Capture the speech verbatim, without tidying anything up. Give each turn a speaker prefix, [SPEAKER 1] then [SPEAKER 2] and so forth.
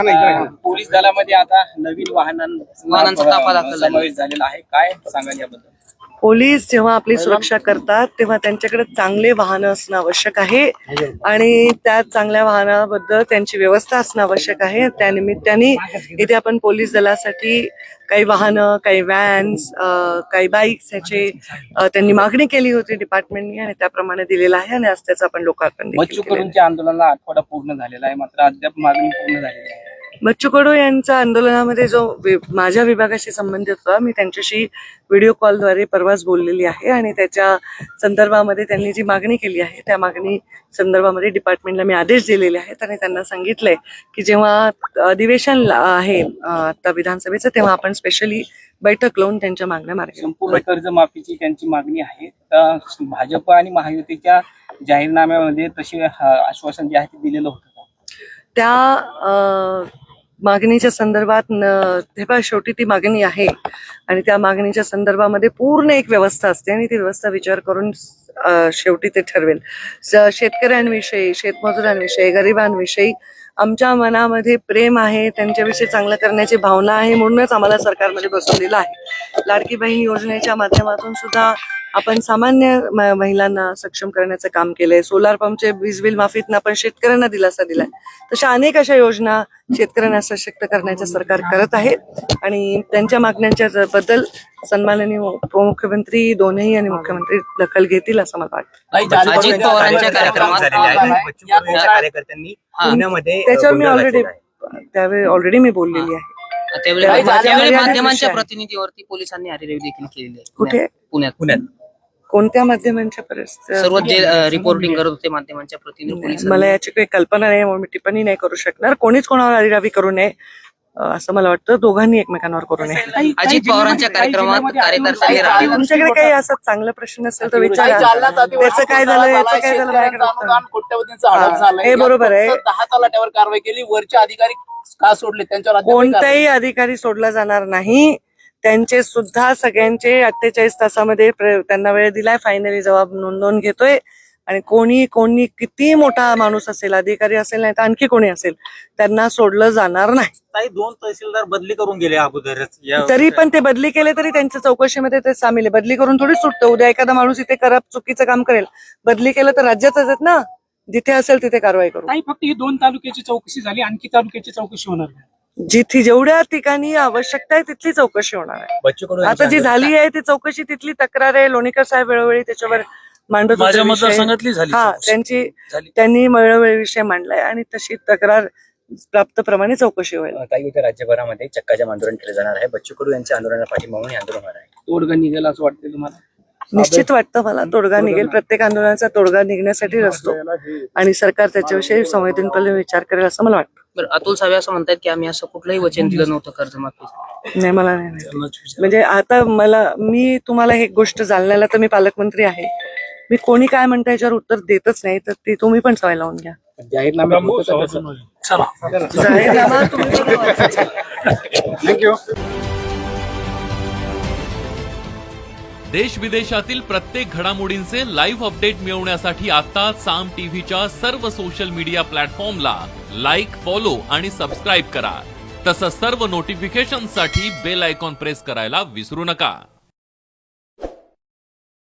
[SPEAKER 1] Police दलामध्ये आता नवीन वाहनांचा ताफा दाखल समावेश झालेला आहे, काय सांगाल याबद्दल?
[SPEAKER 2] पोलीस जेव्हा आपली सुरक्षा करतात तेव्हा त्यांच्याकडे चांगले वाहन असणं आवश्यक आहे आणि त्या चांगल्या वाहनाबद्दल त्यांची व्यवस्था असणं आवश्यक आहे. त्यानिमित्ताने इथे आपण पोलीस दलासाठी काही वाहनं, काही व्हॅन्स, काही बाईक्स ह्याचे त्यांनी मागणी केली होती डिपार्टमेंटनी आणि त्याप्रमाणे दिलेला आहे आणि आज त्याचं आपण लोकार्पण.
[SPEAKER 1] बच्चू कडूंच्या आंदोलनाला आठवडा पूर्ण झालेला आहे, मात्र अद्याप मागणी पूर्ण झालेली आहे.
[SPEAKER 2] बच्चू कडू यांचा आंदोलनामध्ये जो माझ्या विभागाशी संबंधित होता, मी त्यांच्याशी व्हिडिओ कॉलद्वारे परवाच बोललेली आहे आणि त्याच्या संदर्भामध्ये त्यांनी जी मागणी केली आहे त्या मागणी संदर्भामध्ये डिपार्टमेंटला मी आदेश दिलेले आहेत आणि त्यांना सांगितलंय की जेव्हा अधिवेशन आहे आता विधानसभेचं तेव्हा आपण स्पेशली बैठक लावून त्यांच्या मागण्या मार्गी.
[SPEAKER 1] संपूर्ण कर्जमाफीची त्यांची मागणी आहे. तर भाजप आणि महायुतीच्या जाहीरनाम्यामध्ये तसे आश्वासन जे आहे ते दिलेलं होतं
[SPEAKER 2] त्या मागणीच्या संदर्भात शेवटी ती मागणी आहे आणि त्या मागणीच्या संदर्भामध्ये पूर्ण एक व्यवस्था असते आणि ती व्यवस्था विचार करून शेवटी ते ठरवेल. शेतकऱ्यांविषयी, शेतमजुरांविषयी, गरिबांविषयी आमच्या मनामध्ये प्रेम आहे, त्यांच्याविषयी चांगलं करण्याची भावना आहे, म्हणूनच आम्हाला सरकारमध्ये बसवलेलं आहे. लाडकी बहीण योजनेच्या माध्यमातून सुद्धा आपण सामान्य महिलांना सक्षम करण्याचं काम केलंय. सोलार पंपचे वीज बिल माफीतनं आपण शेतकऱ्यांना दिलासा दिलाय. तशा अनेक अशा योजना शेतकऱ्यांना सशक्त करण्याचं सरकार करत आहे आणि त्यांच्या मागण्यांच्या बद्दल सन्माननीय उपमुख्यमंत्री दोन्ही आणि मुख्यमंत्री दखल घेतील असं मला वाटतं.
[SPEAKER 3] अजित पवारांच्या कार्यकर्त्यांनी
[SPEAKER 2] त्याच्यावर मी ऑलरेडी त्यावेळी ऑलरेडी मी बोललेली आहे.
[SPEAKER 3] त्यावेळी माध्यमांच्या प्रतिनिधीवरती पोलिसांनी हरिरेवी देखील केलेली आहे.
[SPEAKER 2] कुठे?
[SPEAKER 3] पुण्यात. पुण्यात
[SPEAKER 2] कोणत्या माध्यमांच्या परिस्थिती?
[SPEAKER 3] सर्व जे रिपोर्टिंग करत होते माध्यमांच्या प्रतिनिधी.
[SPEAKER 2] मला याची काही कल्पना नाही म्हणून मी टिप्पणी नाही करू शकणार. कोणीच कोणावर हरिरावी करू नये असं मला वाटतं. दोघांनी एकमेकांवर करू नये.
[SPEAKER 3] अजित पवारांच्या कार्यक्रमात कार्यकर्त्यांनी
[SPEAKER 2] तुमच्याकडे काही असा चांगला प्रश्न असेल तर विचारा. त्याचं काय झालं, याचं काय झालं, हे बरोबर आहे.
[SPEAKER 1] दहा तलाट्यावर कारवाई केली, वरचे अधिकारी का सोडले? त्यांच्यावर
[SPEAKER 2] कोणताही अधिकारी सोडला जाणार नाही. त्यांचे सुद्धा सगळ्यांचे अठ्ठेचाळीस तासामध्ये त्यांना वेळ दिलाय. फायनली जबाब नोंदवून घेतोय आणि कोणी कोणी किती मोठा माणूस असेल, अधिकारी असेल नाही तर आणखी कोणी असेल, त्यांना सोडलं जाणार नाही.
[SPEAKER 4] काही दोन तहसीलदार बदली करून गेले अगोदरच,
[SPEAKER 2] तरी पण ते बदली केले तरी त्यांच्या चौकशीमध्ये ते सामील आहे. बदली करून थोडी सुटतं. उद्या एखादा माणूस इथे करप चुकीचं काम करेल, बदली केलं तर राज्यातच आहेत ना, जिथे असेल तिथे कारवाई करू.
[SPEAKER 5] नाही, फक्त ही दोन तालुक्याची चौकशी झाली, आणखी तालुक्याची चौकशी होणार नाही.
[SPEAKER 2] जिथे जेवढ्या ठिकाणी आवश्यकता आहे तिथली चौकशी होणार आहे. आता जी झाली आहे ती चौकशी, तिथली तक्रार आहे. लोणीकर साहेब वेळोवेळी त्याच्यावर मांडत होते. हा, त्यांची त्यांनी वेळोवेळी विषय मांडलाय आणि तशी तक्रार प्राप्त प्रमाणे चौकशी होईल.
[SPEAKER 4] काही इथे राज्यभरामध्ये चक्काजाम आंदोलन केलं जाणार आहे. बच्चू कडू यांच्या आंदोलनाला पाठिंबा म्हणून आंदोलन होणार आहे.
[SPEAKER 1] तोडगा निघेल असं वाटतं तुम्हाला?
[SPEAKER 2] निश्चित वाटतं मला तोडगा निघेल. प्रत्येक आंदोलनाचा तोडगा निघण्यासाठी असतो आणि सरकार त्याच्याविषयी संवेदनशीलपणे विचार करेल असं मला वाटतं.
[SPEAKER 3] बरं, अतुल सावे असं म्हणतात की आम्ही असं कुठलंही वचन दिलं नव्हतं कर्जमाफी.
[SPEAKER 2] नाही, मला नाही. म्हणजे आता मला मी तुम्हाला एक गोष्ट जालन्याला तर मी पालकमंत्री आहे, मी कोणी काय म्हणता याच्यावर उत्तर देतच नाही, तर ती तुम्ही पण सवय लावून घ्या.
[SPEAKER 1] जाहीरनामा
[SPEAKER 2] जाहीरनामा तुम्ही
[SPEAKER 1] थँक्यू.
[SPEAKER 6] देश विदेशातील प्रत्येक घडामोडींचे लाईव्ह अपडेट मिळवण्यासाठी आता साम टीव्हीच्या सर्व सोशल मीडिया प्लॅटफॉर्मला लाईक, फॉलो आणि सबस्क्राईब करा. तसंच सर्व नोटिफिकेशनसाठी बेल आयकॉन प्रेस करायला विसरू नका.